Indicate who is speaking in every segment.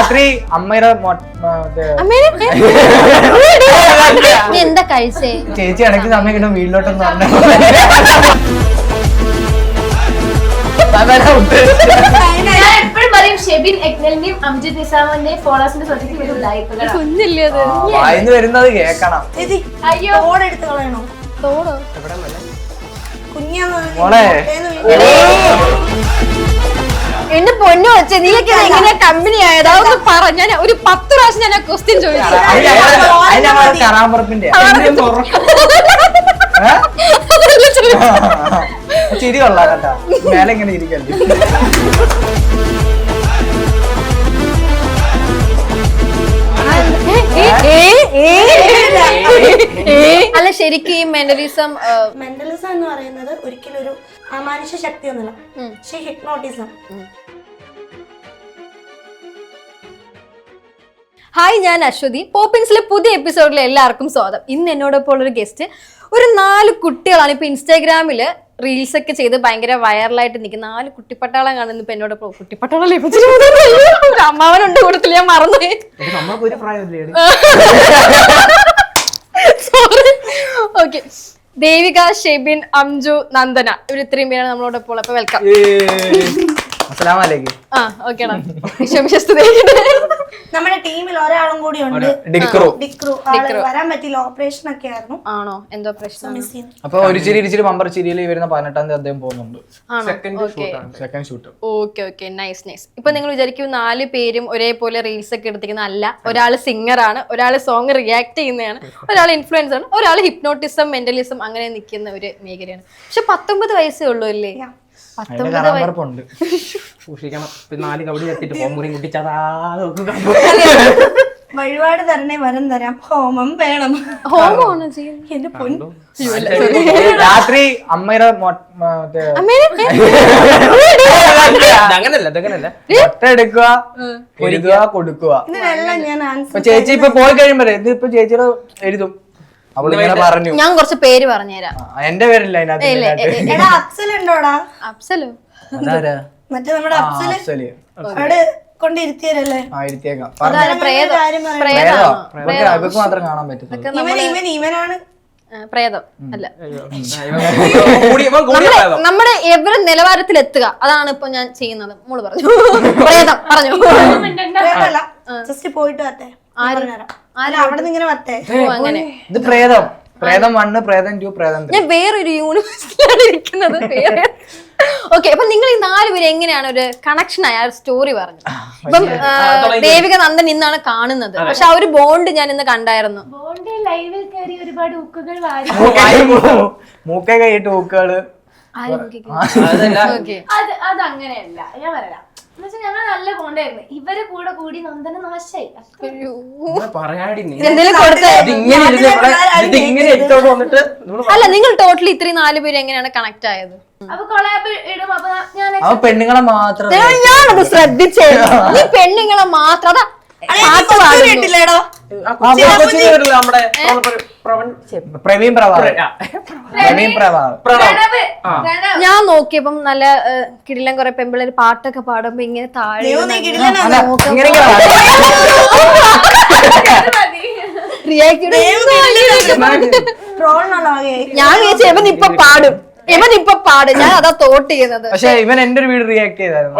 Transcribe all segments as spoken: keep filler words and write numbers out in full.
Speaker 1: രാത്രി അമ്മയുടെ
Speaker 2: എന്താ കഴിച്ചേ?
Speaker 1: ചേച്ചി ഇടയ്ക്ക് സമയം കിട്ടും വീട്ടിലോട്ടെന്ന് പറഞ്ഞു. വായിന്ന് വരുന്നത് കേക്കണം. മോളെ
Speaker 2: എന്റെ പൊന്നു വെച്ചേ നീയൊക്കെ എങ്ങനെ കമ്പനി ആയത് അതൊന്ന് പറ. ഞാൻ ഒരു പത്ത് പ്രാവശ്യം ഞാൻ ക്വസ്റ്റ്യൻ ചോദിച്ചു.
Speaker 1: കറാമ്പറപ്പിന്റെ ചിരി കൊള്ളാം കേട്ടാ. മേലെ ഇങ്ങനെ ഇരിക്കല്ലേ.
Speaker 2: അല്ല ശരിക്കും ഈ മെന്റലിസം
Speaker 3: മെന്റലിസം എന്ന് പറയുന്നത് ഒരിക്കലും ഒരു അമാനുഷ ശക്തി ഒന്നുമില്ല, പക്ഷെ ഹിപ്നോട്ടിസം.
Speaker 2: ഹായ്, ഞാൻ അശ്വതി. പോപ്പിൻസിലെ പുതിയ എപ്പിസോഡിലെ എല്ലാവർക്കും സ്വാഗതം. ഇന്ന് എന്നോടൊപ്പം ഉള്ളൊരു ഗസ്റ്റ് ഒരു നാല് കുട്ടികളാണ്. ഇപ്പൊ ഇൻസ്റ്റാഗ്രാമില് റീൽസ് ഒക്കെ ചെയ്ത് ഭയങ്കര വൈറലായിട്ട് നിൽക്കുന്ന നാല് കുട്ടിപ്പട്ടാളം കാണുന്നു. ഇപ്പൊ എന്നോട് കുട്ടിപ്പട്ടാളം അമ്മാവനുണ്ട് കൂട്ടത്തിൽ, ഞാൻ മറന്നു. സോറി. ഓക്കെ, ദേവിക, ഷെബിൻ, അംജു, നന്ദന, ഇവർ ഇത്രയും പേരാണ് നമ്മളോടൊപ്പം. അപ്പൊ വെൽക്കം. ആ ഓക്കേടാ.
Speaker 3: നമ്മുടെ ടീമിൽ ഒരാളും കൂടി ഉണ്ട്,
Speaker 1: ഡിക്രു.
Speaker 3: ഡിക്രു. വരാൻ പറ്റില്ല, ഓപ്പറേഷൻ ഒക്കെ ആയിരുന്നു.
Speaker 2: ആണോ? എന്തോ പ്രശ്നം?
Speaker 1: അപ്പൊ ഒരു ചിരി ഇരിച്ചിരി ബമ്പർ ചിരിയിൽ വരുന്ന പതിനെട്ടാം തീയതി അദ്ദേഹം പോകുന്നുണ്ട്. Second shoot.
Speaker 2: Okay okay, nice nice. ഇപ്പൊ നിങ്ങൾ വിചാരിക്കും നാല് പേരും ഒരേപോലെ റീൽസ് ഒക്കെ എടുത്തിരിക്കുന്ന. അല്ല, ഒരാള് സിംഗർ ആണ്, ഒരാള് സോങ് റിയാക്ട് ചെയ്യുന്നതാണ്, ഒരാൾ ഇൻഫ്ലുവൻസർ ആണ്, ഒരാൾ ഹിപ്നോട്ടിസം മെന്റലിസം അങ്ങനെ നിൽക്കുന്ന ഒരു മേഖലയാണ്. പക്ഷെ പത്തൊമ്പത് വയസ്സേ ഉള്ളൂ അല്ലേ?
Speaker 3: വഴിപാട് തരണേ, വരം തരാം, ഹോമം വേണം.
Speaker 2: ഹോമമാണ് ചെയ്യുന്നത്
Speaker 3: എന്റെ പൊന്നു.
Speaker 1: രാത്രി അമ്മയുടെ മുട്ട എടുക്കുക, പൊരിക്കുക, കൊടുക്കുക.
Speaker 3: ഇതിനെല്ലാം ഞാൻ ആൻസർ.
Speaker 1: ചേച്ചി ഇപ്പൊ പോയി കഴിയുമ്പോ ഇതിപ്പോ ചേച്ചിയുടെ എഴുതും. അവളിങ്ങനെ പറഞ്ഞു.
Speaker 2: ഞാൻ കുറച്ച് പേര് പറഞ്ഞുതരാം.
Speaker 1: എന്റെ പേരില്ല അതിനകത്ത്.
Speaker 3: എടാ അഫ്സൽ ഉണ്ടോടാ?
Speaker 2: അഫ്സലോ?
Speaker 3: മറ്റേ നമ്മുടെ അഫ്സല് അവിടെ കൊണ്ടിരുത്തിയല്ലേ?
Speaker 1: ഇവർക്ക് മാത്രം കാണാൻ പറ്റും.
Speaker 3: ഇവൻ ഇവനാണ്
Speaker 2: പ്രേതം അല്ല, നമ്മുടെ എവരെ നിലവാരത്തിൽ എത്തുക, അതാണ് ഇപ്പൊ ഞാൻ ചെയ്യുന്നത്. മോള് പറഞ്ഞു പ്രേതം പറഞ്ഞു.
Speaker 3: ജസ്റ്റ് പോയിട്ട് വരട്ടെ, അവിടെ നിന്ന് ഇങ്ങനെ വരട്ടെ.
Speaker 2: അങ്ങനെ
Speaker 1: ഇത് പ്രേതം. പ്രേതം വണ്ണ്, പ്രേതം ടു, പ്രേതം ത്രീ.
Speaker 2: ഞാൻ വേറൊരു യൂണിവേഴ്സിറ്റിയിലാണ് ഇരിക്കുന്നത്. ഓക്കെ, അപ്പൊ നിങ്ങൾ ഈ നാല് പേര് എങ്ങനെയാണ് ഒരു കണക്ഷൻ ആയ സ്റ്റോറി പറഞ്ഞു? ഇപ്പം ദേവിക നന്ദൻ ഇന്നാണ് കാണുന്നത്, പക്ഷെ ആ ഒരു ബോണ്ട് ഞാൻ ഇന്ന് കണ്ടായിരുന്നു.
Speaker 4: ലൈവിൽ കയറി ഒരുപാട് ഊക്കുകൾ
Speaker 1: മൂക്കൈ കൈയിട്ട് ഊക്കുകള്.
Speaker 4: അത് അത് അങ്ങനെയല്ല, ഞാൻ പറയാം. എന്നുവെച്ചാൽ ഞങ്ങൾ നല്ല ബോണ്ടായിരുന്നു. ഇവര് കൂടെ കൂടി നന്ദന നാശായി.
Speaker 2: അല്ല, നിങ്ങൾ ടോട്ടലി ഇത്രയും നാല് പേര് എങ്ങനെയാണ് കണക്ട് ആയത്?
Speaker 4: അപ്പൊ കൊളാബ് ഇടും. അപ്പൊ ഞാൻ
Speaker 1: പെണ്ണുങ്ങളെ മാത്രം
Speaker 2: ഞാനത് ശ്രദ്ധിച്ചേ. നീ പെണ്ണുങ്ങളെ മാത്രം
Speaker 1: പ്രവീൺ പ്രഭാകർ.
Speaker 2: ഞാൻ നോക്കിയപ്പം നല്ല കിടിലം കുറെ പെമ്പിള്ളേര് പാട്ടൊക്കെ പാടുമ്പോ ഇങ്ങനെ താഴെ ഞാൻ വിചാരിച്ചു ഇവൻ ഇപ്പൊ പാടും, ഇവൻ ഇപ്പൊ പാടും. ഞാൻ അതാ തോട്ട് ചെയ്യുന്നത്.
Speaker 1: പക്ഷെ ഇവൻ എന്റെ ഒരു വീട് റിയാക്ട് ചെയ്തായിരുന്നു.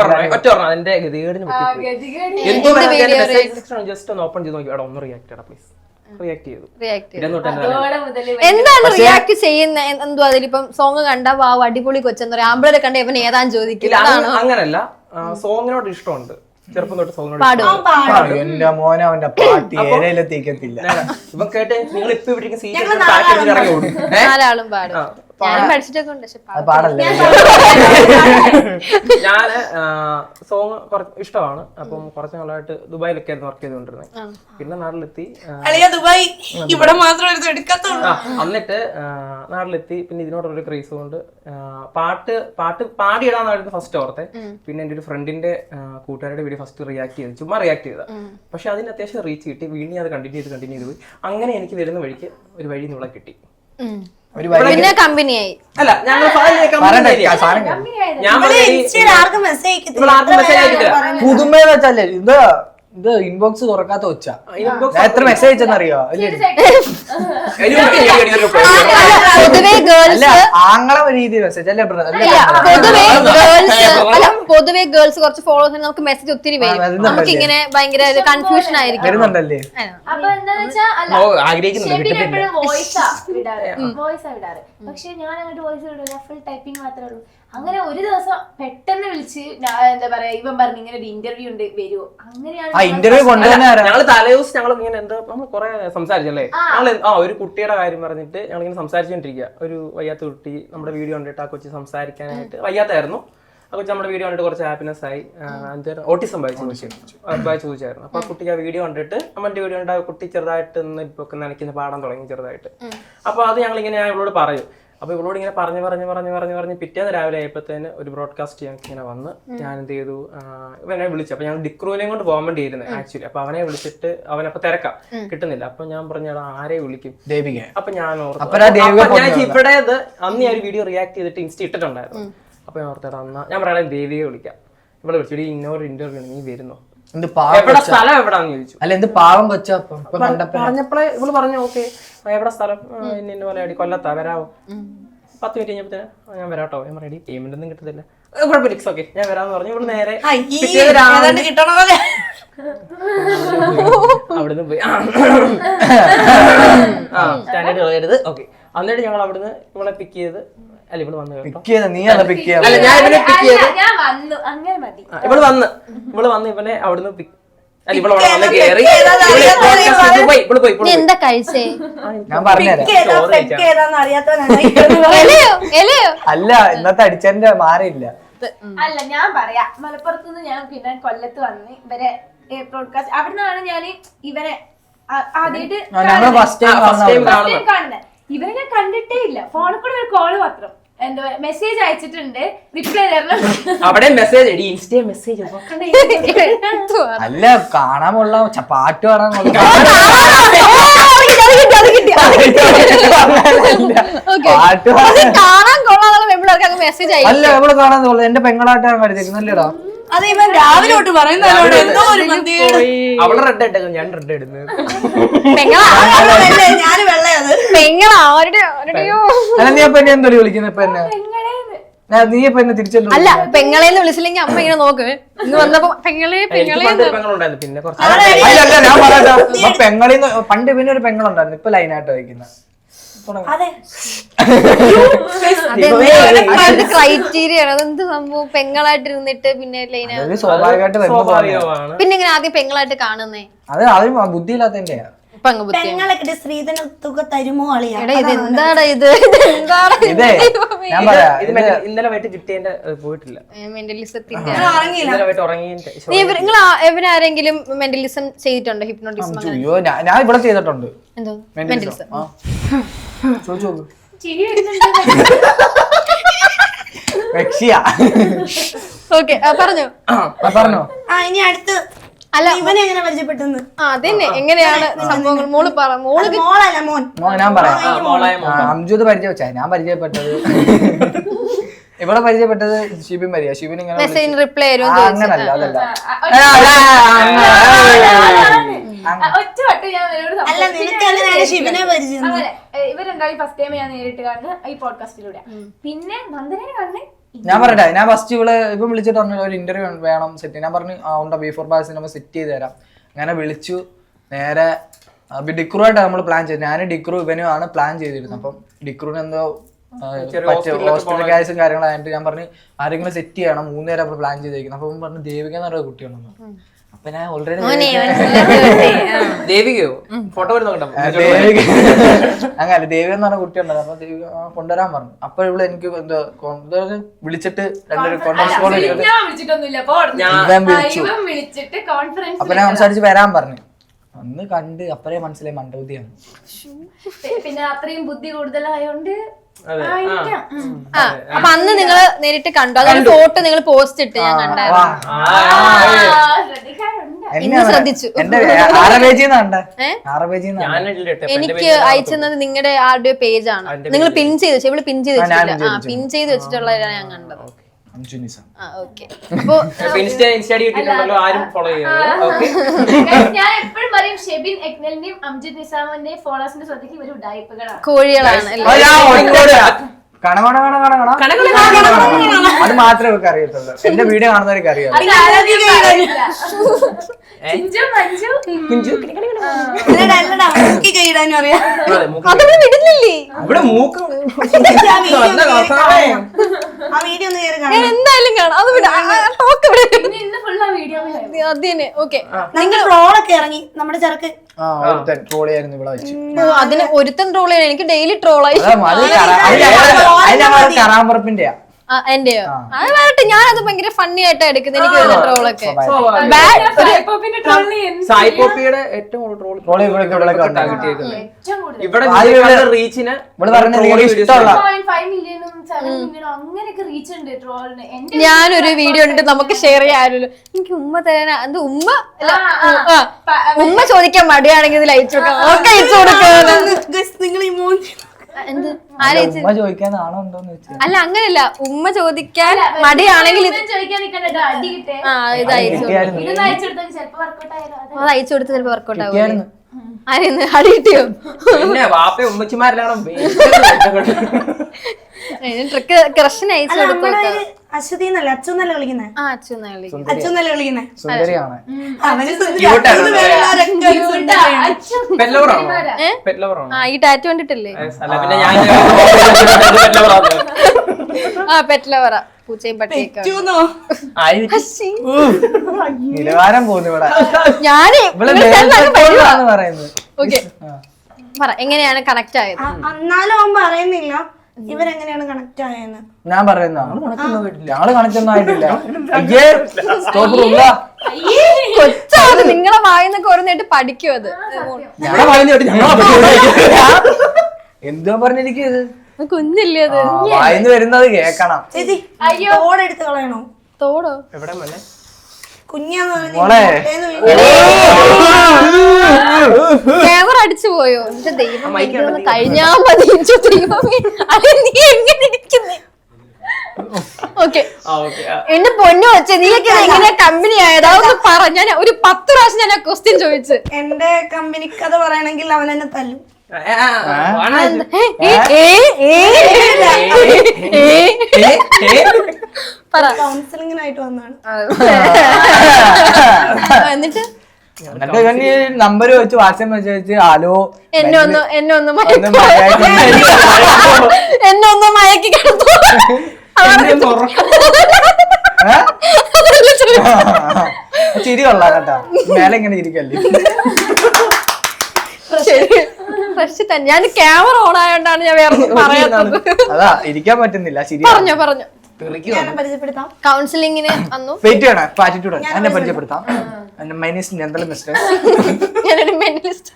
Speaker 2: എന്താണ് റിയാക്ട് ചെയ്യുന്ന? എന്തോ അതിലിപ്പം സോങ് കണ്ട വാവ് അടിപൊളി കൊച്ചെന്ന് പറയാം, ആമ്പിളരെ കണ്ട ഇവൻ ഏതാന്ന് ചോദിക്കില്ല.
Speaker 5: അങ്ങനല്ല, സോങ്ങിനോട് ഇഷ്ടമുണ്ട്. ചെറുപ്പം തൊട്ട് സോങ്ങിനോട്.
Speaker 1: എന്റെ മോനെ അവന്റെ പാട്ട് ഏരയിലെത്തിക്കത്തില്ല.
Speaker 5: ഇവൻ കേട്ട് നിങ്ങൾ ഇപ്പൊ ഇവിടെ
Speaker 2: നാലാളും പാടും. ഞാനും പഠിച്ചിട്ടൊക്കെ ഉണ്ട്, പക്ഷെ
Speaker 1: പാടല്ലേ.
Speaker 5: ഞാന് സോങ് ഇഷ്ടമാണ്. അപ്പം കുറച്ച് നാളായിട്ട് ദുബായിലൊക്കെ ആയിരുന്നു വർക്ക് ചെയ്തുകൊണ്ടിരുന്നത്. പിന്നെ നാട്ടിലെത്തി.
Speaker 3: ദുബായ് ഇവിടെ മാത്രം എടുക്കാത്തുള്ളൂ.
Speaker 5: എന്നിട്ട് നാട്ടിലെത്തി. പിന്നെ ഇതിനോടൊരു ക്രേസ് കൊണ്ട് പാട്ട് പാട്ട് പാടിയിടാന്നായിരുന്നു ഫസ്റ്റ് ഓർത്തെ. പിന്നെ എന്റെ ഒരു ഫ്രണ്ടിന്റെ കൂട്ടുകാരുടെ വീഡിയോ ഫസ്റ്റ് റിയാക്ട് ചെയ്തു, ചുമ്മാ റിയാക്ട് ചെയ്ത. പക്ഷെ അതിന് അത്യാവശ്യം റീച്ച് കിട്ടി. വീണ്ടും അത് കണ്ടിന്യൂ ചെയ്ത് കണ്ടിന്യൂ ചെയ്ത് പോയി. അങ്ങനെ എനിക്ക് വരുന്ന വഴിക്ക് ഒരു വഴി നിങ്ങളെ കിട്ടി.
Speaker 2: പിന്നെ കമ്പനിയായി.
Speaker 5: അല്ല, ഞങ്ങൾ
Speaker 1: പുതുമയെന്ന് വെച്ചല്ലേ ഇത് ഇത് ഇൻബോക്സ് തുറക്കാത്ത ഒച്ച
Speaker 5: inbox
Speaker 1: ഞാൻ എത്ര മെസ്സേജ് അയച്ചെന്നറിയോ
Speaker 2: പൊതുവേ ഗേൾസ്
Speaker 1: അല്ല ആങ്ങളെ രീതി മെസ്സേജ് അല്ലേ brother? അല്ലേ
Speaker 2: പൊതുവേ ഗേൾസ് അല്ല പൊതുവേ ഗേൾസ് കുറച്ച് ഫോളോവേഴ്സിന് നമുക്ക് മെസ്സേജ് ഒത്തിരി വരും. നമുക്ക് ഇങ്ങനെ ഭയങ്കര കൺഫ്യൂഷൻ ആയിരിക്കും.
Speaker 1: വരുന്നുണ്ടല്ലേ?
Speaker 4: അപ്പൊ എന്താന്ന് വെച്ചാൽ അല്ല ഷെബിൻ എപ്പോഴും വോയിസാ വിടാറ് വോയിസാ വിടാറ് പക്ഷെ ഞാൻ അങ്ങോട്ട് വോയിസ് വിടില്ല, ഫുൾ ടൈപ്പിംഗ് മാത്രമേ ഉള്ളൂ. അങ്ങനെ ഒരു ദിവസം പെട്ടെന്ന് വിളിച്ച് എന്താ പറയാ ഇവൻ പറഞ്ഞു ഇങ്ങനെ ഒരു ഇന്റർവ്യൂ ഉണ്ട് വരുമോ, അങ്ങനെയാണ്
Speaker 1: ആ ഇന്റർവ്യൂ കൊണ്ടുവന്നെ
Speaker 5: ഞങ്ങള് തലേദിവസം ഞങ്ങൾ ഇങ്ങനെ എന്താ നമ്മൾ കുറെ സംസാരിച്ചല്ലേ ഞങ്ങൾ ആ ഒരു കുട്ടിയുടെ കാര്യം പറഞ്ഞിട്ട് ഞങ്ങൾ ഇങ്ങനെ സംസാരിച്ചോണ്ടിരിക്കുക. ഒരു വയ്യാത്ത കുട്ടി നമ്മുടെ വീഡിയോ കണ്ടിട്ട് ആ കൊച്ചി സംസാരിക്കാനായിട്ട് വയ്യാത്തായിരുന്നു. ആ കൊച്ചി നമ്മുടെ വീഡിയോ കണ്ടിട്ട് കുറച്ച് ഹാപ്പിനെസ് ആയി. എന്തായാലും ഓട്ടിസം ബായി ബായി ചോദിച്ചായിരുന്നു. അപ്പൊ ആ കുട്ടിക്ക് ആ വീഡിയോ കണ്ടിട്ട് നമ്മുടെ വീഡിയോ കണ്ട ആ കുട്ടി ചെറുതായിട്ട് ഒന്ന് ഇപ്പൊ നനയ്ക്കുന്ന പാടാൻ തുടങ്ങി ചെറുതായിട്ട്. അപ്പൊ അത് ഞങ്ങൾ ഇങ്ങനെ ഞാൻ ഇവളോട് പറയും. അപ്പൊ ഇവളോട് ഇങ്ങനെ പറഞ്ഞു പറഞ്ഞു പറഞ്ഞു പറഞ്ഞു പറഞ്ഞ് പിറ്റേന്ന് രാവിലെ ആയപ്പോഴത്തേന് ഒരു ബ്രോഡ്കാസ്റ്റ് ഞങ്ങൾക്ക് ഇങ്ങനെ വന്ന് ഞാൻ എന്ത് ചെയ്തു, ഇവനെ വിളിച്ചു. അപ്പൊ ഞാൻ ഡിക്രൂവിനെയും കൊണ്ട് പോകാൻ വേണ്ടി ഇരുന്നത് ആക്ച്വലി. അപ്പൊ അവനെ വിളിച്ചിട്ട് അവനപ്പൊ തിരക്കാം കിട്ടുന്നില്ല. അപ്പൊ ഞാൻ പറഞ്ഞു ആരെ വിളിക്കും,
Speaker 1: ദേവിക.
Speaker 5: അപ്പൊ ഞാൻ
Speaker 1: അപ്പൊ
Speaker 5: ഞാൻ ഇവിടെ അന്ന് ഞാൻ ഒരു വീഡിയോ റിയാക്ട് ചെയ്തിട്ട് ഇൻസ്റ്റ ഇട്ടിട്ടുണ്ടായിരുന്നു. അപ്പൊ ഞാൻ ഓർത്തേടാ എന്നാ ഞാൻ പറയാൻ ദേവിയെ വിളിക്കാം. ഇവിടെ വിളിച്ചിട്ട് ഇന്നോർ ഇന്റർവ്യൂ നീ വരുന്നോ, എവിടെ സ്ഥലം എവിടാന്ന് ചോദിച്ചു.
Speaker 1: അല്ല എന്ത് പാവം കൊച്ചാ
Speaker 5: പറഞ്ഞപ്പോഴേ ഇവള് പറഞ്ഞു ഓക്കെ എവിടെ സ്ഥലം, ഇന്ന പോലെ അടി കൊല്ലത്താ വരാവോ. പത്ത് മിനിറ്റ് കഴിഞ്ഞപ്പോഴത്തേന് ഞാൻ വരാട്ടോ. ഞാൻ പറയടി പേയ്മെന്റ് ഒന്നും കിട്ടത്തില്ല, കുഴപ്പമില്ല ഇറ്റ്സ് ഓക്കെ ഞാൻ വരാന്ന് പറഞ്ഞു. ഇവള് നേരെ അവിടുന്ന് പോയി ആ സ്റ്റാൻഡേർഡ് കളയരുത് ഓക്കെ. എന്നിട്ട് ഞങ്ങൾ അവിടുന്ന് ഇവളെ പിക്ക് ചെയ്ത് അല്ല ഇവള് വന്ന് കേട്ടോ
Speaker 1: നീ അല്ല പിക്ക്
Speaker 5: അല്ല ഞാൻ ഇവനെ പിക്ക് ചെയ്ത്
Speaker 4: ഞാൻ വന്നു അങ്ങനെ മതി.
Speaker 5: ഇവള് വന്ന് ഇവള് വന്ന് ഇവനെ അവിടുന്ന് പിക്ക് അല്ല ഇവള് അവിടെ വന്ന് കേറി പോയി ഇവള് പോയി
Speaker 2: നീ എന്താ കഴിച്ചേ?
Speaker 1: ഞാൻ പറഞ്ഞുതരാം.
Speaker 2: എലയോ എലയോ
Speaker 1: അല്ല ഇന്നത്തെ അടിച്ചതിന്റെ മാറിയില്ല.
Speaker 4: അല്ല ഞാൻ പറയാ മലപ്പുറത്തുനിന്ന് ഞാൻ പിന്നെ കൊല്ലത്ത് വന്ന് ഇവരെ ബ്രോഡ്കാസ്റ്റ് അവിടുന്നാണ് ഞാൻ ഇവരെ ആദ്യമായിട്ട്
Speaker 1: ഞങ്ങൾ ഫസ്റ്റ് ടൈം
Speaker 4: കാണുന്നത്. ഇവരെ ഞാൻ കണ്ടിട്ടേ ഇല്ല, ഫോണിൽ കൂടെ ഒരു കോള് മാത്രം എന്താ മെസ്സേജ് അയച്ചിട്ടുണ്ട് റിപ്ലൈ തരണം.
Speaker 5: അവിടെ മെസ്സേജ് ഇൻസ്റ്റ മെസ്സേജ്
Speaker 1: അല്ല കാണാൻ കൊള്ളാം, പാട്ട് കാണാൻ കൊള്ളാം. പാട്ട്
Speaker 2: കാണാൻ കൊള്ളാന്നുള്ള പെമ്പിളർക്ക് മെസ്സേജ് അയച്ചു.
Speaker 1: അല്ല എവിടെ കാണാൻ കൊള്ളാം, എന്റെ പെങ്ങളായിട്ടാണ് കളിച്ചേക്കുന്നല്ലേടാ.
Speaker 3: അത് ഇവൻ രാവിലെ തൊട്ട് പറയുന്നതോട് എന്തോ ഒരു
Speaker 5: അവള് റെഡ് ഇട്ടേക്കും ഞാൻ റെഡ് ഇടുന്നത്.
Speaker 3: ഞാൻ വെള്ളയത്
Speaker 2: പെങ്ങള ആരുടെ ആരുടെയോ
Speaker 1: അല്ല നീ അപ്പൊ എന്നെ എന്തോ വിളിക്കുന്നത് ഇപ്പൊ എന്നെ നീ ഇപ്പൊ എന്നെ തിരിച്ചല്ലോ.
Speaker 2: അല്ല പെങ്ങളേന്ന് വിളിച്ചില്ലെങ്കിൽ അമ്മ ഇങ്ങനെ നോക്ക് ഇന്ന് വന്നപ്പോ പെങ്ങളെ പെങ്ങളെ
Speaker 5: പെങ്ങളുണ്ടായിരുന്നു പിന്നെ കുറച്ച്
Speaker 1: അല്ല ഞാൻ പറയാം പെങ്ങളിന്ന് പണ്ട് പിന്നെ ഒരു പെങ്ങളുണ്ടായിരുന്നു, ഇപ്പൊ ലൈനായിട്ട് വയ്ക്കുന്ന
Speaker 2: ക്രൈറ്റീരിയ ആണ്. അതെന്ത് സംഭവം പെങ്ങളായിട്ട് ഇരുന്നിട്ട് പിന്നെ ലൈനായിട്ട്
Speaker 1: സ്വാഭാവികമായിട്ട്
Speaker 5: സ്വാഭാവികമാണ്.
Speaker 2: പിന്നെ ഇങ്ങനെ ആദ്യം പെങ്ങളായിട്ട് കാണുന്നേ
Speaker 1: അത് അവരും ബുദ്ധിയില്ലാത്തതിന്റെയാ.
Speaker 3: പെങ്ങളൊക്കെ ശ്രീധന തുക തരുമോ അളിയാ?
Speaker 2: ഇത് എന്താടാ ഇത് എന്താണ്
Speaker 1: ഇതേ ഞാൻ പറയാ
Speaker 5: ഇന്നലെ വൈകിട്ട് കിട്ടിയതിന്റെ പോയിട്ടില്ല.
Speaker 2: മെന്റലിസത്തിന്റെ
Speaker 5: ഇന്നലെ വൈകിട്ട് ഉറങ്ങിയതിന്റെ
Speaker 2: നിങ്ങൾ ഇവരാരെങ്കിലും മെന്റലിസം ചെയ്തിട്ടുണ്ടോ? ഹിപ്നോട്ടിസം
Speaker 1: അയ്യോ ഞാൻ ഇവിടെ ചെയ്തിട്ടുണ്ട്.
Speaker 2: എന്തോ മെന്റലിസം
Speaker 1: ചോദിച്ചു
Speaker 4: ചിരി വരുന്നുണ്ട്.
Speaker 2: ഓക്കെ പറഞ്ഞോ
Speaker 1: പറഞ്ഞോ.
Speaker 3: ആ ഇനി അടുത്ത്
Speaker 2: അല്ല
Speaker 3: ഇവനെ എങ്ങനെ പരിചയപ്പെട്ടെന്ന്
Speaker 2: ആ അതന്നെ എങ്ങനെയാണ് സംഭവങ്ങൾ മോള് പറ. മോള്
Speaker 3: മോളല്ല മോൻ
Speaker 1: മോൻ ഞാൻ പറയാം. അംജുദ് പരിചയവെച്ചാ ഞാൻ പരിചയപ്പെട്ടത് ഇവിടെ പരിചയപ്പെട്ടത് ഷിബിൻ മരിയ. ഷിബിൻ ഇങ്ങനെ
Speaker 2: മെസ്സേജിന് റിപ്ലൈ തരും
Speaker 1: അങ്ങനല്ല അതല്ല
Speaker 4: ഒറ്റ വട്ടം ഞാൻ ഇവരോട്
Speaker 3: അല്ല നിനക്ക് എങ്ങനെയാണ് ഷിബിനെ പരിചയം?
Speaker 4: ഇവരുണ്ടായി ഫസ്റ്റ് ടൈം ഞാൻ നേരിട്ട് കാണുന്നത് ഈ പോഡ്കാസ്റ്റിലൂടെ. പിന്നെ നന്ദനെ കാണുന്നത്
Speaker 1: ഞാൻ പറയട്ടെ. ഞാൻ ഫസ്റ്റ് ഇവിടെ ഇപ്പൊ വിളിച്ചിട്ട് പറഞ്ഞു ഒരു ഇന്റർവ്യൂ വേണം സെറ്റ്. ഞാൻ പറഞ്ഞു ആ ഉണ്ടോ ബി ഫോർ ബാസ് നമ്മൾ സെറ്റ് ചെയ്ത് തരാം. അങ്ങനെ വിളിച്ചു. നേരെ ഡിക്രുവായിട്ട് നമ്മൾ പ്ലാൻ ചെയ്തു. ഞാൻ ഡിക്രു ഇവനും ആണ് പ്ലാൻ ചെയ്തിരുന്നത്. അപ്പം ഡിക്രുവിന് എന്തോ ഹോസ്പിറ്റൽ കേസും കാര്യങ്ങളായിട്ട് ഞാൻ പറഞ്ഞു ആരെങ്കിലും സെറ്റ് ചെയ്യണം. മൂന്ന് നേരം നമ്മൾ പ്ലാൻ ചെയ്തിരിക്കുന്നത്. അപ്പൊ പറഞ്ഞു ദേവിക എന്ന് പറയുന്ന കുട്ടിയാണെന്ന്. അപ്പൊ ഞാൻ ഓൾറെഡി
Speaker 5: ദേവികയോ ഫോട്ടോ വരുന്നുണ്ടോ?
Speaker 1: അങ്ങനെ ദേവിക എന്ന് പറഞ്ഞ കുട്ടിയുണ്ടായിരുന്നു. അപ്പൊ ദേവിക കൊണ്ടുവരാൻ പറഞ്ഞു. അപ്പൊ ഇവിടെ എനിക്ക് എന്താ വിളിച്ചിട്ട് രണ്ടൊരു കോൺഫറൻസ് കോൾ
Speaker 4: വിളിച്ചിട്ട് കോൺഫറൻസ്
Speaker 1: അപ്പൊ ഞാൻ സംസാരിച്ച് വരാൻ പറഞ്ഞു. അന്ന് കണ്ട് അപ്പഴേ മനസ്സിലായി മണ്ടബുദ്ധിയാണ്.
Speaker 4: പിന്നെ അത്രയും ബുദ്ധി കൂടുതലായോണ്ട്
Speaker 2: അപ്പൊ അന്ന് നിങ്ങള് നേരിട്ട് കണ്ടു. അതൊരു ഫോട്ടോ നിങ്ങൾ പോസ്റ്റ് ഇട്ട് ഞാൻ കണ്ടായിരുന്നു. ഇന്ന് ശ്രദ്ധിച്ചു.
Speaker 1: എന്റെ ആറ് പേജിൽ നിന്നാ ആറ് പേജിൽ
Speaker 2: എനിക്ക് അയച്ചത് നിങ്ങളുടെ ആരുടെ പേജ് ആണ്. നിങ്ങൾ പിൻ ചെയ്ത് വെച്ചു. ഇവള് പിൻ ചെയ്ത് വെച്ചിട്ടില്ല. ആ പിൻ ചെയ്ത് വെച്ചിട്ടുള്ളതാണ് ഞാൻ കണ്ടത്.
Speaker 1: അഞ്ജുനിസം.
Speaker 2: ഓക്കെ. അപ്പൊ
Speaker 5: ഇൻസ്റ്റ ഇൻസ്റ്റ കിട്ടിയിട്ടുണ്ടല്ലോ, ആരും ഫോളോ ചെയ്യുന്നത്. ഓക്കെ,
Speaker 4: ഞാൻ എപ്പോഴും പറയും ഷെബിൻ എക്നലിന്റെയും അംജിത് നിസാമിന്റെയും ഫോളോവേഴ്സിന്റെ ശ്രദ്ധയ്ക്ക് ഇവർ ഉഡായിപ്പുകളാണ്.
Speaker 2: കോഴികളാണ് അല്ലേ?
Speaker 1: കണ കണ കണ കണ കണ അത് മാത്രമേ ഇവർക്ക് അറിയത്തുള്ളൂ. എന്റെ വീഡിയോ കാണുന്നവർക്ക് അറിയാം.
Speaker 2: വിടുന്നില്ലേ?
Speaker 5: ഇവിടെ മൂക്ക്
Speaker 3: ആ വീഡിയോ ഒന്ന് കയറി
Speaker 2: ഞാൻ എന്തായാലും കാണാം. അത് വിടാം.
Speaker 4: ഇന്ന് ഫുൾ ആ വീഡിയോ
Speaker 2: അതിന് ഓക്കെ.
Speaker 3: നിങ്ങൾ ട്രോളൊക്കെ ഇറങ്ങി നമ്മുടെ ചെറുക്ക്
Speaker 1: ആ ഒരുത്തൻ ട്രോൾ ചെയ്യായിരുന്നു ഇവിടെ വെച്ച്.
Speaker 2: അതിന് ഒരുത്തൻ ട്രോൾ ചെയ്യണം. എനിക്ക് ഡെയിലി ട്രോളായി.
Speaker 1: കറാമ്പറപ്പിന്റെയാ
Speaker 2: എന്റെയോ? അത് വരട്ടെ, ഞാനത് ഭയങ്കര ഫണ്ണി ആയിട്ടാ എടുക്കുന്നത്. എനിക്ക് വരുന്ന ട്രോളൊക്കെ
Speaker 5: സായി പോപ്പിയുടെ ഏറ്റവും ട്രോൾ
Speaker 1: ട്രോൾ ഇവിടെ ഇവിടെ
Speaker 5: ഇവിടെ റീച്ചിന്
Speaker 1: ഇവിടെ പറഞ്ഞ ഇഷ്ടമുള്ള
Speaker 4: അങ്ങനെയൊക്കെ റീച്ച് ഉണ്ട് ട്രോളിന്.
Speaker 2: ഞാനൊരു വീഡിയോ ഉണ്ട് നമുക്ക് ഷെയർ ചെയ്യാമല്ലോ. എനിക്ക് ഉമ്മ തരാൻ അത് ഉമ്മ അല്ല, ആ, ഉമ്മ ചോദിക്കാൻ മടിയാണെങ്കിൽ ഇത് അയച്ചു കൊടുക്കാം. ഒക്കെ അയച്ചു കൊടുക്കാം.
Speaker 3: നിങ്ങൾ ഈ മൂന്ന്
Speaker 2: എന്ത് ആലോചിച്ച്
Speaker 1: ഉമ്മ ചോദിക്കാൻ ആണോ ഉണ്ടോന്ന് വെച്ചാൽ
Speaker 2: അല്ല, അങ്ങനെയല്ല. ഉമ്മ ചോദിക്കാൻ മടിയാണെങ്കിൽ ഇത്
Speaker 4: ചോദിക്കാൻ നിൽക്കണ്ടോ, അടി കിട്ടേ.
Speaker 2: ആ ഇത് അയച്ചു
Speaker 4: ഇതൊന്നും അയച്ചെടുത്താൽ ചിലപ്പോ വർക്കൗട്ട് ആയാലോ.
Speaker 2: അത് അയച്ചു കൊടുത്ത് ചിലപ്പോ വർക്കൗട്ട് ആവും. ആരെന്ന് അടി കിട്ടിയോ?
Speaker 5: പിന്നെ വാപ്പ ഉമ്മച്ചിമാരിലാണ്
Speaker 2: ട്രിക്ക് ക്രഷിന് അയച്ചു കൊടുക്കും.
Speaker 3: അശ്വതി എന്നല്ലേ അച്ചു എന്നല്ലേ വിളിക്കുന്നത്?
Speaker 2: ആ അച്ചു എന്നാ വിളിക്കും.
Speaker 3: അച്ചു എന്നല്ലേ വിളിക്കുന്നത്?
Speaker 1: സുന്ദരിയാണ്.
Speaker 3: അവന്
Speaker 2: ആ ഈ ടാറ്റു കണ്ടിട്ടില്ലേ?
Speaker 5: പിന്നെ ഞാൻ
Speaker 2: ആ പെറ്റ്ലവറ പൂച്ചയും പട്ടിയൊക്കെ.
Speaker 1: നിലവാരം പോകുന്നു ഇവിടെ.
Speaker 2: ഞാന്
Speaker 1: പറയുന്നത്.
Speaker 2: ഓക്കെ പറ, എങ്ങനെയാണ് കണക്ട് ആയത്?
Speaker 3: എന്നാലും അവൻ പറയുന്നില്ല ഇവരെങ്ങനെയാണ് കണക്ട് ആയെന്ന്.
Speaker 1: ഞാൻ പറയുന്ന ഞങ്ങള് കണക്ട് ഒന്നും ആയിട്ടില്ല.
Speaker 2: കൊച്ചാണ് നിങ്ങളെ വായിന്നൊക്കെ ഓരോന്നായിട്ട് പഠിക്കും. അത്
Speaker 1: എന്തോ പറഞ്ഞിരിക്കുന്നത്
Speaker 2: കുഞ്ഞല്ലേ അത്?
Speaker 1: വായിന്ന് വരുന്നത് കേക്കണം.
Speaker 3: ചേച്ചി തോടെടുത്ത് കളയണോ?
Speaker 2: തോടോ?
Speaker 5: എവിടെ മോനെ?
Speaker 3: കുഞ്ഞാന്ന്
Speaker 1: മോളെ
Speaker 2: ക്യാമറ അടിച്ചു പോയോ? എന്റെ ദൈവം, കഴിഞ്ഞാ മതി. ദൈവമേ, അത് നീ എങ്ങനെ ഇരിക്കുന്നേ? ഓക്കെ, എന്റെ പൊന്നു വെച്ചേ, നീയൊക്കെ എങ്ങനെ കമ്പനി ആയതാ? ഒന്ന് പറ. ഞാൻ ഒരു പത്ത് പ്രാവശ്യം ഞാൻ ആ ക്വസ്റ്റ്യൻ ചോദിച്ചു.
Speaker 3: എന്റെ കമ്പനി കഥ പറയണെങ്കിൽ അവൻ എന്നെ തല്ലും. കൗൺസിലിങ്ങിനായിട്ട് വന്നാണ്.
Speaker 2: എന്നിട്ട്
Speaker 1: എന്നിട്ട് നമ്പർ വെച്ച് വാട്സാപ്പ് മെസ്സേജ് ഹലോ
Speaker 2: എന്നെ ഒന്ന് എന്നെ ഒന്ന് എന്നെ ഒന്ന് മയക്കി കിടന്നു.
Speaker 1: ചിരി കൊള്ളാം കേട്ടാ. മേലെ ഇങ്ങനെ ഇരിക്കല്ലേ.
Speaker 2: ഫ്രഷ് തന്നെ. ഞാൻ ക്യാമറ ഓൺ ആയോണ്ടാണ് ഞാൻ വേറെ പറയാത്തത്.
Speaker 1: അതാ ഇരിക്കാൻ പറ്റുന്നില്ല. ശരി,
Speaker 2: പറഞ്ഞോ പറഞ്ഞോ.
Speaker 3: പരിചയപ്പെടുത്താം.
Speaker 2: കൗൺസിലിങ്ങിന് വന്നു.
Speaker 1: വെയിറ്റ് ചെയ്യണം. ആറ്റിറ്റ്യൂഡ് എന്നെ പരിചയപ്പെടുത്താം. മൈനസ് നന്ദല മിസ്റ്റർ.
Speaker 2: ഞാനൊരു mentalist.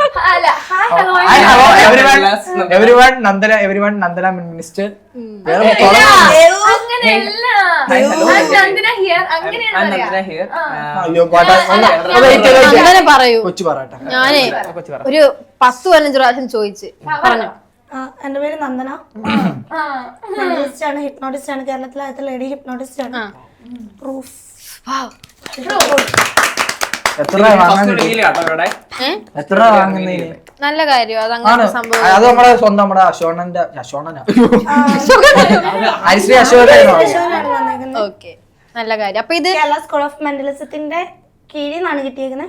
Speaker 1: Everyone Nandana everyone Nandana minister.
Speaker 2: അങ്ങനെ പറയൂ.
Speaker 1: കൊച്ചു പറയട്ടെ.
Speaker 2: ഞാനേ ഒരു പത്ത് പതിനഞ്ച് പ്രാവശ്യം ചോദിച്ച് പറഞ്ഞു.
Speaker 3: എന്റെ പേര് നന്ദന. മെന്റലിസ്റ്റ് ആണ്, ഹിപ്നോട്ടിസ്റ്റ് ആണ്. കേരളത്തിലെ ആദ്യത്തെ ലേഡി ഹിപ്നോട്ടിസ്റ്റ് ആണ്. പ്രൂഫ്.
Speaker 1: എത്ര എത്ര വാങ്ങുന്നതിന്
Speaker 2: നല്ല കാര്യം. അത് അങ്ങനെ സംഭവം.
Speaker 1: അത് നമ്മുടെ സ്വന്തം നമ്മുടെ അശോണന്റെ അശോണനാ ഹരിശ്രീ അശോക.
Speaker 2: ഓക്കെ, നല്ല കാര്യം. അപ്പൊ ഇത്
Speaker 3: കേരള സ്കൂൾ ഓഫ് മെന്റലിസത്തിന്റെ കീഴിൽ നിന്നാണ് കിട്ടിയേക്കുന്നത്.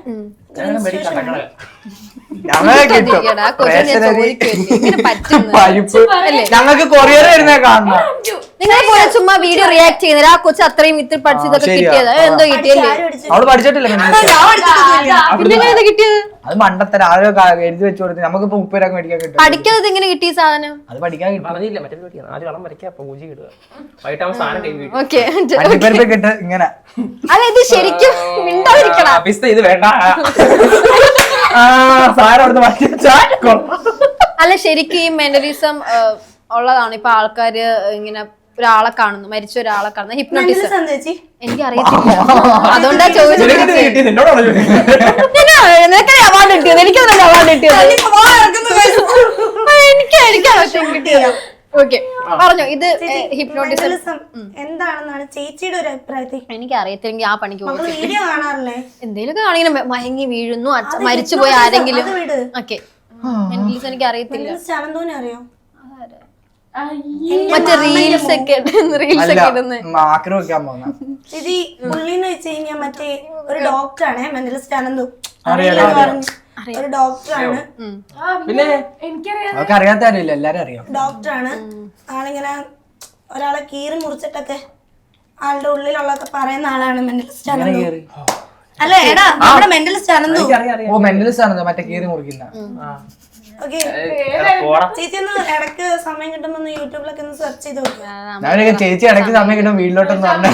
Speaker 1: ഞങ്ങൾക്ക് കൊറിയർ വരുന്നേ കാണണം.
Speaker 2: നിങ്ങളെ പോലെ ചുമ്മാ വീഡിയോ റിയാക്ട് ചെയ്യുന്നത്. ആ കൊച്ചു അത്രയും ഇത്ര പഠിച്ചതൊക്കെ കിട്ടിയത് എന്തോ കിട്ടിയല്ലേ?
Speaker 1: അവള് പഠിച്ചിട്ടില്ല.
Speaker 2: പിന്നെ കിട്ടിയത്
Speaker 1: അത് മണ്ടത്തര ആരോ എഴുതി വെച്ചു കൊടുത്ത് നമുക്കിപ്പോ മുപ്പതിനാക്ക് മേടിക്കാൻ കിട്ടും.
Speaker 2: പഠിക്കാതെ എങ്ങനെ കിട്ടിയ സാധനം?
Speaker 1: അത് പഠിക്കാൻ
Speaker 5: പറഞ്ഞില്ല. മറ്റേ ആദ്യം വളം വരയ്ക്കുക, പൂജ ഇടുക, വൈകിട്ടാകുമ്പോൾ സാധനം ടൈം കിട്ടും.
Speaker 2: ഓക്കെ,
Speaker 1: കിട്ട് ഇങ്ങനെ.
Speaker 2: അല്ല ഇത് ശരിക്കും മിണ്ടാതിരിക്കണം.
Speaker 5: ഇത് വേണ്ട.
Speaker 2: അല്ല ശരിക്കും ഈ മെന്റലിസം ഉള്ളതാണ്. ഇപ്പൊ ആൾക്കാര് ഇങ്ങനെ ഒരാളെ കാണുന്നു, മരിച്ച ഒരാളെ കാണുന്നു. ഹിപ്നോട്ടിസം എനിക്ക് അറിയത്തില്ല, അതുകൊണ്ടാ ചോദിച്ചത്. നിനക്ക് അവാർഡ് കിട്ടിയത്? എനിക്ക് അവാർഡ് കിട്ടിയത് എനിക്ക് എനിക്കാണ് കിട്ടിയത്. ഓക്കെ പറഞ്ഞോ. ഇത് ഹിപ്നോട്ടിസം
Speaker 3: മെന്റലിസം എന്താണെന്നാണ് ചേച്ചിയുടെ ഒരു അഭിപ്രായത്തിൽ?
Speaker 2: എനിക്ക് അറിയത്തില്ലെങ്കിൽ ആ പണിക്ക് പോകും.
Speaker 3: നമ്മള് വീഡിയോ കാണാറില്ലേ?
Speaker 2: എന്തേലൊക്കെ കാണിങ്ങനെ മയങ്ങി വീഴുന്നു, മരിച്ചുപോയി ആരെങ്കിലും.
Speaker 3: അത് വിട്.
Speaker 2: ഓക്കെ, മെന്റലിസം എനിക്ക് അറിയത്തില്ല.
Speaker 3: മെന്റലിസ്റ്റ് ആണെന്തോനെ അറിയോ?
Speaker 2: മറ്റേ റീൽസ് ഒക്കെ റീൽസ് ഒക്കെ ഇടുന്ന
Speaker 1: മാക്രോ വെക്കാൻ പോകുന്ന
Speaker 3: ചേച്ചി പുള്ളിന്ന് വെച്ച് കഴിഞ്ഞാൽ മറ്റേ ഒരു ഡോക്ടറാണ് മെന്റലിസ്റ്റ് ആണെന്തോ ഒരു ഡോക്ടറാണ്.
Speaker 5: പിന്നെ
Speaker 4: എനിക്കറിയാം.
Speaker 1: അതൊക്കെ അറിയാത്ത അറിയില്ല, എല്ലാരും അറിയാം.
Speaker 3: ഡോക്ടറാണ് ആളിങ്ങനെ ഒരാളെ കീറി മുറിച്ചിട്ടൊക്കെ ആളുടെ ഉള്ളിലുള്ളതൊക്കെ പറയുന്ന ആളാണ് മെന്റലിസ്റ്റ് ആണെന്നോ. അല്ല എടാ നമ്മുടെ മെന്റലിസ്റ്റ് ആണെന്നോ.
Speaker 1: ഓ മെന്റലിസ്റ്റ് ആണെന്നോ, മറ്റേ കീറി മുറിക്കുന്ന.
Speaker 3: ഓക്കെ ചേച്ചി ഒന്ന് ഇടയ്ക്ക് സമയം കിട്ടുമ്പോ ഒന്ന് യൂട്യൂബിലൊക്കെ ഒന്ന് സെർച്ച് ചെയ്ത് നോക്കുക.
Speaker 1: ഞാനൊക്കെ ചേച്ചി ഇടയ്ക്ക് സമയം കിട്ടും വീട്ടിലോട്ടെന്ന് പറഞ്ഞു.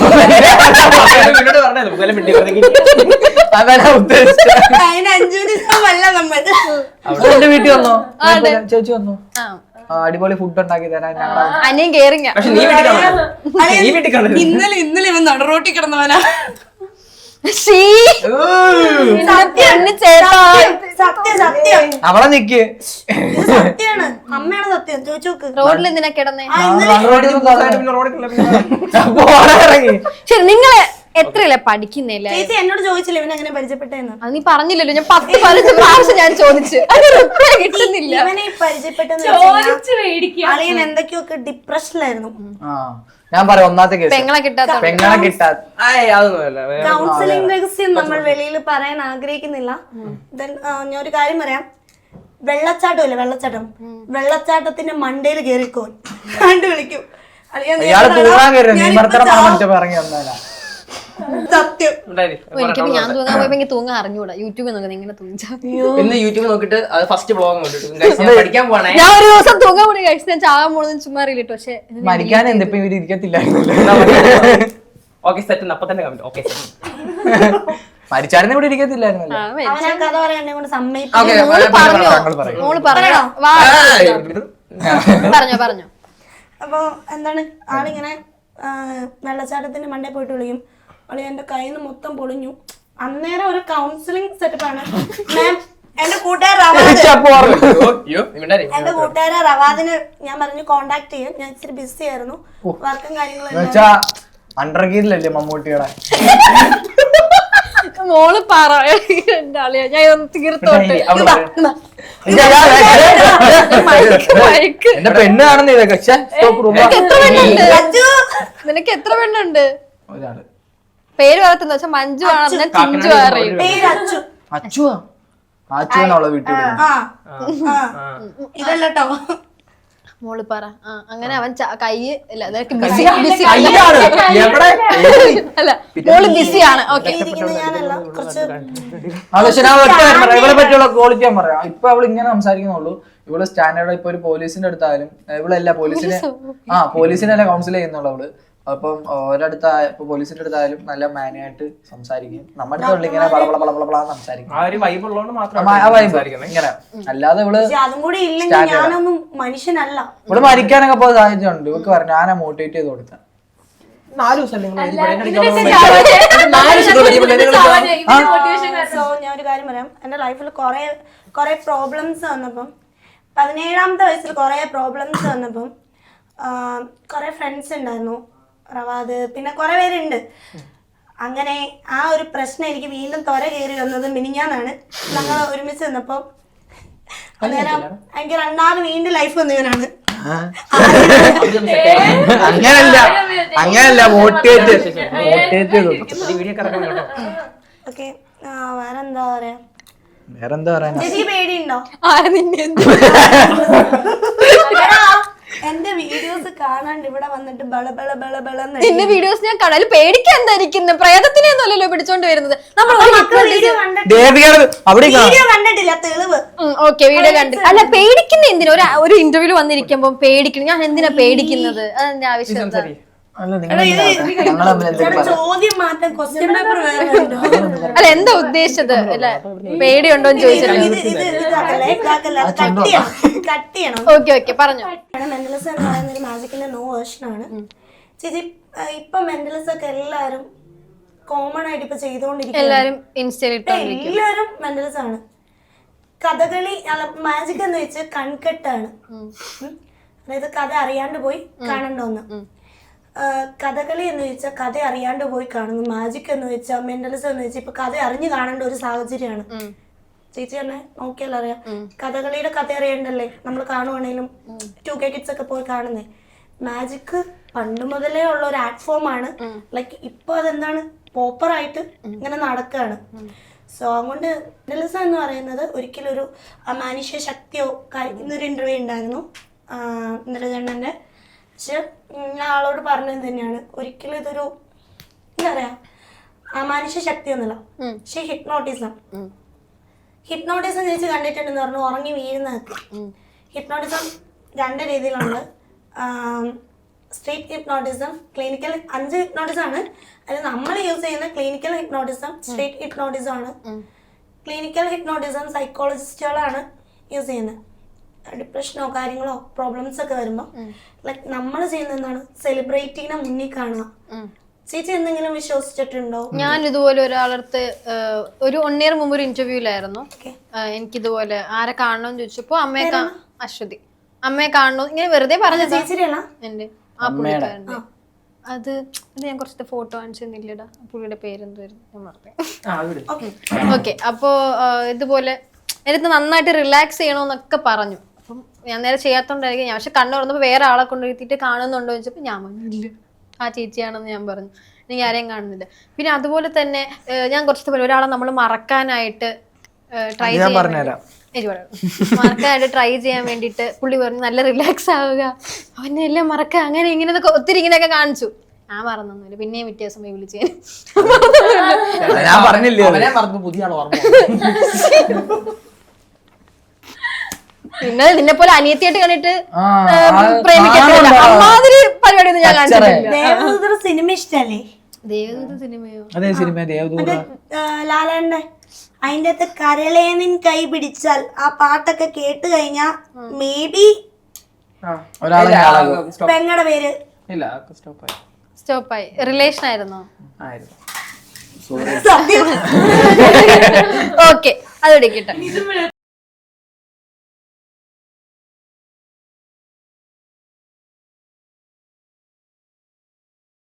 Speaker 1: അതാണ് ഉദ്ദേശിച്ചത്.
Speaker 3: അതിന് അഞ്ചു ദിവസമല്ല നമ്മൾ.
Speaker 1: അവിടെ എന്റെ വീട്ടിൽ വന്നോ ചേച്ചി വന്നു, അടിപൊളി ഫുഡ് ഉണ്ടാക്കി തരാൻ ഞങ്ങളെ
Speaker 2: അനിയൻ കേറിങ്ങ.
Speaker 5: പക്ഷെ നീ വീട്ടിൽ കാണുമോ? നീ വീട്ടിൽ കാണുമോ?
Speaker 3: ഇന്നലെ ഇന്നലെ ഇവൻ നടറോട്ടി കിടന്നവനാ. സത്യം സത്യം
Speaker 1: അവളെ നിക്ക്.
Speaker 3: ഇത് സത്യാണ്, അമ്മയാണ് സത്യം. ചോദിച്ചു നോക്ക്.
Speaker 2: റോഡിൽ എന്തിനാ കിടന്നേ?
Speaker 1: ഇറങ്ങി
Speaker 2: ശരി, നിങ്ങള് എത്രയല്ലേ പഠിക്കുന്നില്ലേ?
Speaker 3: ചേച്ചി എന്നോട് ചോദിച്ചില്ല ഇവൻ എങ്ങനെ പരിചയപ്പെട്ടെന്ന്.
Speaker 2: അത് നീ പറഞ്ഞില്ലല്ലോ. ഞാൻ പത്ത് പതിനഞ്ച് പ്രാവശ്യം ഞാൻ ചോദിച്ചു, അത് റിപ്ലൈ കിട്ടുന്നില്ല.
Speaker 3: ഇവനെ പരിചയപ്പെട്ടെന്ന്
Speaker 4: ചോദിച്ചു മേടിക്കുക.
Speaker 3: അളിയൻ എന്തൊക്കെയൊക്കെ ഡിപ്രഷനിലായിരുന്നു.
Speaker 1: ആ ഞാൻ പറയാം ഒന്നാമത്തെ കേസ്
Speaker 2: പെങ്ങളെ കിട്ടാത്ത
Speaker 1: പെങ്ങളെ കിട്ടാ
Speaker 5: അതൊന്നുമല്ല.
Speaker 3: കൗൺസിലിംഗ് രഹസ്യം നമ്മൾ വെളിയിൽ പറയാൻ ആഗ്രഹിക്കുന്നില്ല. Then, ആ, ഞാൻ ഒരു കാര്യം പറയാം. വെള്ളച്ചാട്ടം ഇല്ല വെള്ളച്ചാട്ടം വെള്ളച്ചാട്ടത്തിന്റെ മണ്ടയിൽ കേറിക്കോ കണ്ടു വിളിക്കും. അളിയാ, നീ
Speaker 1: ഇയാള്
Speaker 3: എവിടെടാ?
Speaker 1: തൂങ്ങാൻ കയറി
Speaker 3: ഞാനിപ്പോ
Speaker 1: നിമർത്തനം
Speaker 3: ചാവും.
Speaker 1: പറഞ്ഞിട്ട് ഇറങ്ങി വന്നാലാ.
Speaker 3: സത്യം
Speaker 2: എനിക്ക് ഞാൻ തൂങ്ങാൻ പോയപ്പോ എനിക്ക് തൂങ്ങാൻ അറിഞ്ഞൂടാ. യൂട്യൂബിൽ നോക്കുന്നത് ഇങ്ങനെ തൂങ്ങിച്ചാ.
Speaker 5: ഇന്ന് യൂട്യൂബ് നോക്കിട്ട് അത് ഫസ്റ്റ് ബ്ലോഗ് കണ്ടിട്ട് പഠിക്കാൻ പോണേ.
Speaker 2: ഞാൻ ഒരു ദിവസം തൂങ്ങാൻ പോയി കഴിച്ചു. ഞാൻ ചാകാൻ പോണെന്ന് ചുമ്മാ അറിയില്ല. പക്ഷെ
Speaker 1: മരിക്കാൻ എന്തിപ്പോ ഇവര് ഇരിക്കത്തില്ലായിരുന്നല്ലോ.
Speaker 5: ഓക്കെ സെറ്റ് അപ്പൊ തന്നെ കമന്റ്. ഓക്കെ
Speaker 1: മരിച്ചാരുന്ന് ഇവിടെ ഇരിക്കത്തില്ലായിരുന്നല്ലോ.
Speaker 3: അവൻ ആ കഥ പറയാൻ എന്നെ കൊണ്ട് സമ്മതിക്കും.
Speaker 1: ഓക്കെ
Speaker 2: മോള് പറഞ്ഞോ, വാ പറഞ്ഞോ പറഞ്ഞോ.
Speaker 3: അപ്പൊ എന്താണ് ആളിങ്ങനെ ആ, വെള്ളച്ചാട്ടത്തിന്റെ മണ്ടയിൽ പോയിട്ട് വിളിക്കും. അളി എന്റെ കയ്യിൽ നിന്ന് മൊത്തം പൊളിഞ്ഞു. അന്നേരം ഒരു കൗൺസിലിംഗ് സെറ്റപ്പാണ്. മാം എന്റെ കൂട്ടുകാർ റവാദ് എന്റെ കൂട്ടുകാരെ റവാദിന് ഞാൻ പറഞ്ഞു കോണ്ടാക്ട് ചെയ്യും. ഞാൻ ഇച്ചിരി ബിസി ആയിരുന്നു, വർക്കും കാര്യങ്ങളും.
Speaker 1: അണ്ടർ ഗീരിലല്ലേ മമ്മൂട്ടിയുടെ.
Speaker 2: മോള് പറ എന്റെ ആളിയാ. ഞാൻ ഒന്ന് തീർത്തോട്ടെ.
Speaker 1: എന്റെ പെണ്ണ് കാണുന്ന ഇതൊക്കെ.
Speaker 2: നിനക്ക് എത്ര പെണ്ണുണ്ട്?
Speaker 1: ഒരാള്
Speaker 2: പേര് പറത്തുന്ന വെച്ചാൽ മഞ്ജു ആണെന്ന് ഞാൻ ചിഞ്ചു അറിയും.
Speaker 3: പേര് അച്ചു.
Speaker 1: അച്ചുവാ അച്ചുവാണുള്ള വീട്ടിൽ.
Speaker 3: ആ ഇതല്ലോ
Speaker 2: മോള് പറ. ആ അങ്ങനെ അവൻ കൈ ഇല്ല ബിസി ബിസി അല്ല മോള് ബിസിയാണ്. ഓക്കെ
Speaker 3: ഞാനല്ല കുറച്ച്
Speaker 1: പക്ഷെ ഞാൻ ഒറ്റ കാര്യം പറയാം, ഇവളെ പറ്റിയുള്ള ക്വാളിറ്റി ഞാൻ പറയാം. ഇപ്പൊ അവള് ഇങ്ങനെ സംസാരിക്കുന്നുള്ളൂ. ഇവള് സ്റ്റാൻഡേർഡ് ഇപ്പൊ ഒരു പോലീസിന്റെ അടുത്തായാലും ഇവളല്ല പോലീസിനെ ആ പോലീസിനല്ല കൗൺസിൽ ചെയ്യുന്നുള്ളൂ അവള്. അപ്പം ഒരടുത്ത ഇപ്പൊ പോലീസിന്റെ അടുത്തായാലും നല്ല മാനായിട്ട് സംസാരിക്കും. നമ്മുടെ അടുത്തുള്ള ഇങ്ങനെ പളപള പളപള സംസാരിക്കും.
Speaker 5: ആ ഒരു വൈബ് ഉള്ളതുകൊണ്ട് മാത്രം
Speaker 1: ഇങ്ങനെ. അല്ലാതെ ഇവള്
Speaker 3: അതും കൂടി ഇല്ലെങ്കിൽ ഞാനൊന്നും മനുഷ്യനല്ല.
Speaker 1: ഇവള് മരിക്കാനൊക്കെ പോയ സാഹചര്യം ഉണ്ട്. ഇവക്ക് പറഞ്ഞു ഞാനാ മോട്ടിവേറ്റ് ചെയ്ത് കൊടുത്ത.
Speaker 5: നാല് ദിവസം
Speaker 3: സോ ഞാൻ ഒരു കാര്യം പറയാം. എന്റെ ലൈഫിൽ കുറെ കുറെ പ്രോബ്ലംസ് വന്നപ്പം പതിനേഴാമത്തെ വയസ്സിൽ കുറെ പ്രോബ്ലംസ് വന്നപ്പം കുറെ ഫ്രണ്ട്സ് ഉണ്ടായിരുന്നു, റവാദ്, പിന്നെ കുറെ പേരുണ്ട്. അങ്ങനെ ആ ഒരു പ്രശ്നം എനിക്ക് വീണ്ടും ത്വര കയറി വന്നത് മിനിഞ്ഞാന്നാണ്. ഞങ്ങൾ ഒരുമിച്ച് നിന്നപ്പം അന്നേരം എനിക്ക് രണ്ടാമത് വീണ്ടും ലൈഫ് വന്നവനാണ്.
Speaker 1: അങ്ങനല്ല അങ്ങനല്ല മോട്ടിവേറ്റ് മോട്ടിവേറ്റ് ചെയ്ത്
Speaker 3: ഓക്കെ വേറെന്താ പറയാ?
Speaker 1: വേറെന്താ പറയാ?
Speaker 3: ചേച്ചിക്ക് പേടിയുണ്ടോ? എന്റെ വീഡിയോസ് കാണാണ്ട് ഇവിടെ വന്നിട്ട് ബള ബള ബള ബള
Speaker 2: നിന്റെ വീഡിയോസ് ഞാൻ കാണാൻ പേടിക്കാൻ എന്തായിരിക്കുന്നു? പ്രേതത്തിനെ ഒന്നുമല്ലല്ലോ പിടിച്ചോണ്ട് വരുന്നത്. നമ്മൾ
Speaker 3: വീഡിയോ കണ്ടിട്ടില്ല തെളിവ്.
Speaker 2: ഓക്കെ വീഡിയോ കണ്ടിട്ട് അല്ല പേടിക്കുന്ന എന്തിനാ? ഒരു ഒരു ഇന്റർവ്യൂല് വന്നിരിക്കുമ്പോ പേടിക്കണം. ഞാൻ എന്തിനാ പേടിക്കുന്നത്? അതിന്റെ ആവശ്യം എന്താ?
Speaker 3: ചോദ്യം മാറ്റാൻ ക്വസ്റ്റ്യൻ പേപ്പർ
Speaker 2: അല്ല എന്താ ഉദ്ദേശിച്ചത്? അല്ല പേടിയുണ്ടോന്ന് ചോദിച്ചത്.
Speaker 3: കട്ട് ചെയ്യണം.
Speaker 2: ഓക്കെ ഓക്കെ പറഞ്ഞോ.
Speaker 3: മെന്റലിസം എന്ന് പറയുന്ന ഒരു മാജിക്കിന്റെ നോ വേർഷൻ ആണ് ചേച്ചി. ഇപ്പൊ മെന്റലിസം ഒക്കെ എല്ലാരും കോമൺ ആയിട്ട് ഇപ്പൊ ചെയ്തുകൊണ്ടിരിക്കും.
Speaker 2: എല്ലാരും ഇൻസ്റ്റയിലിട്ട്
Speaker 3: എല്ലാരും മെന്റലിസം ആണ്. കഥകളി മാജിക് എന്ന് വെച്ച് കൺകെട്ടാണ്. അതായത് കഥ അറിയാണ്ട് പോയി കാണണ്ട ഒന്ന്. കഥകളി എന്ന് വെച്ചാൽ കഥ അറിയാണ്ട് പോയി കാണുന്നു. മാജിക് എന്ന് വെച്ചാൽ മെന്റലിസം എന്ന് വെച്ചാൽ ഇപ്പൊ കഥ അറിഞ്ഞു കാണേണ്ട ഒരു സാഹചര്യമാണ്. ചേച്ചി തന്നെ നോക്കിയാൽ അറിയാം, കഥകളിയുടെ കഥ അറിയണ്ടല്ലേ നമ്മൾ കാണുവാണെങ്കിലും ടു കെ കിഡ്സ് ഒക്കെ പോയി കാണുന്നേ. മാജിക് പണ്ട് മുതലേ ഉള്ള ഒരു ആർട്ട് ഫോം ആണ്. ലൈക്ക് ഇപ്പൊ അതെന്താണ് പോപ്പറായിട്ട് ഇങ്ങനെ നടക്കുകയാണ്. സോ അതുകൊണ്ട് മെന്റലിസം എന്ന് പറയുന്നത് ഒരിക്കലും ഒരു അമാനുഷ്യ ശക്തിയോ ഇന്നൊരു ഇന്റർവ്യൂ ഉണ്ടായിരുന്നു ഇന്ദ്രചണ്ണന്റെ. പക്ഷെ ഞാൻ ആളോട് പറഞ്ഞത് തന്നെയാണ്, ഒരിക്കലും ഇതൊരു എന്താ പറയാ അമാനുഷ്യ ശക്തി ഒന്നുമില്ല. പക്ഷെ ഹിപ്നോട്ടിസം ഹിപ്നോട്ടിസം ചേച്ചി കണ്ടിട്ടുണ്ടെന്ന് പറഞ്ഞു, ഉറങ്ങി വീഴുന്നതൊക്കെ. ഹിപ്നോട്ടിസം രണ്ട് രീതിയിലുണ്ട്. സ്ട്രീറ്റ് ഹിപ്നോട്ടിസം, ക്ലിനിക്കൽ, അഞ്ച് ഹിപ്നോട്ടിസം ആണ്. അതിൽ നമ്മൾ യൂസ് ചെയ്യുന്ന ക്ലിനിക്കൽ ഹിപ്നോട്ടിസം, സ്ട്രീറ്റ് ഹിപ്നോട്ടിസം ആണ്. ക്ലിനിക്കൽ ഹിപ്നോട്ടിസം സൈക്കോളജിസ്റ്റുകളാണ് യൂസ് ചെയ്യുന്നത്. ഡിപ്രഷനോ കാര്യങ്ങളോ പ്രോബ്ലംസ് ഒക്കെ വരുമ്പോൾ ലൈക്ക് നമ്മൾ ചെയ്യുന്ന എന്താണ് സെലിബ്രിറ്റീനെ മുന്നിൽ കാണുക. ചേച്ചി എന്തെങ്കിലും വിശ്വസിച്ചിട്ടുണ്ടോ?
Speaker 2: ഞാൻ ഇതുപോലെ ഒരാളടുത്ത് ഒരു വൺ ഇയർ മുമ്പ് ഒരു ഇന്റർവ്യൂലായിരുന്നു. എനിക്കിതുപോലെ ആരെ കാണണമെന്ന് ചോദിച്ചപ്പോ അമ്മയെ അശ്വതി അമ്മയെ കാണണോ ഇങ്ങനെ വെറുതെ പറഞ്ഞത് എന്റെ ആ പുള്ളിക്കാരന്റെ. അത് അത് ഞാൻ കുറച്ചത്തെ ഫോട്ടോ കാണിച്ചു തന്നില്ലടാ, പുള്ളിയുടെ പേരെന്തായിരുന്നു ഞാൻ മറന്നു. ഓക്കെ, അപ്പോ ഇതുപോലെ എനിക്ക് നന്നായിട്ട് റിലാക്സ് ചെയ്യണമെന്നൊക്കെ പറഞ്ഞു. അപ്പം ഞാൻ നേരെ ചെയ്യാത്തോണ്ടായിരിക്കും ഞാൻ. പക്ഷെ കണ്ണു തുറന്നപ്പോൾ വേറെ ആളെ കൊണ്ടുവരുത്തിയിട്ട് കാണുന്നുണ്ടോ ചോദിച്ചപ്പോൾ ഞാൻ പറഞ്ഞില്ല, ആ ചേച്ചിയാണെന്ന് ഞാൻ പറഞ്ഞു. എനിക്ക് ആരെയും കാണുന്നില്ല. പിന്നെ അതുപോലെ തന്നെ ഞാൻ കുറച്ച് പോലെ ഒരാളെ നമ്മൾ മറക്കാനായിട്ട് ട്രൈ ചെയ്യാൻ മറക്കാനായിട്ട് ട്രൈ ചെയ്യാൻ വേണ്ടിയിട്ട് പുള്ളി പറഞ്ഞു നല്ല റിലാക്സ് ആവുക, അവനെ എല്ലാം മറക്കുക, അങ്ങനെ ഇങ്ങനെ ഒത്തിരി ഇങ്ങനെയൊക്കെ കാണിച്ചു. ഞാൻ മറന്നൊന്നുമില്ല. പിന്നെയും വ്യത്യാസം പോയി വിളിച്ചു
Speaker 1: ഞാൻ പറഞ്ഞില്ലേ
Speaker 5: പുതിയ ആൾ ഓർമ്മ.
Speaker 2: പിന്നെ നിന്നെ പോലെ അനിയത്തിയായിട്ട് കണ്ടിട്ട് പ്രേമിക്കത്തില്ല, അമ്മാതിരി പരിപാടിയൊന്നും ഞാൻ കാണിച്ചിട്ടില്ല.
Speaker 3: ദേവദൂതർ സിനിമ ഇഷ്ടല്ലേ?
Speaker 2: ദേവദൂത സിനിമയോ?
Speaker 1: അതേ സിനിമ ദേവദൂത
Speaker 3: ലാലേട്ടന്റെ. അതിന്റെ അകത്ത് കരളേനിൻ കൈ പിടിച്ചാൽ ആ പാട്ടൊക്കെ കേട്ട് കഴിഞ്ഞാ മേ ബി പെങ്ങടെ പേര്
Speaker 2: സ്റ്റോപ്പായി. റിലേഷൻ ആയിരുന്നോ?
Speaker 3: സത്യം.
Speaker 2: ഓക്കെ, അത് എടുക്കട്ടെ.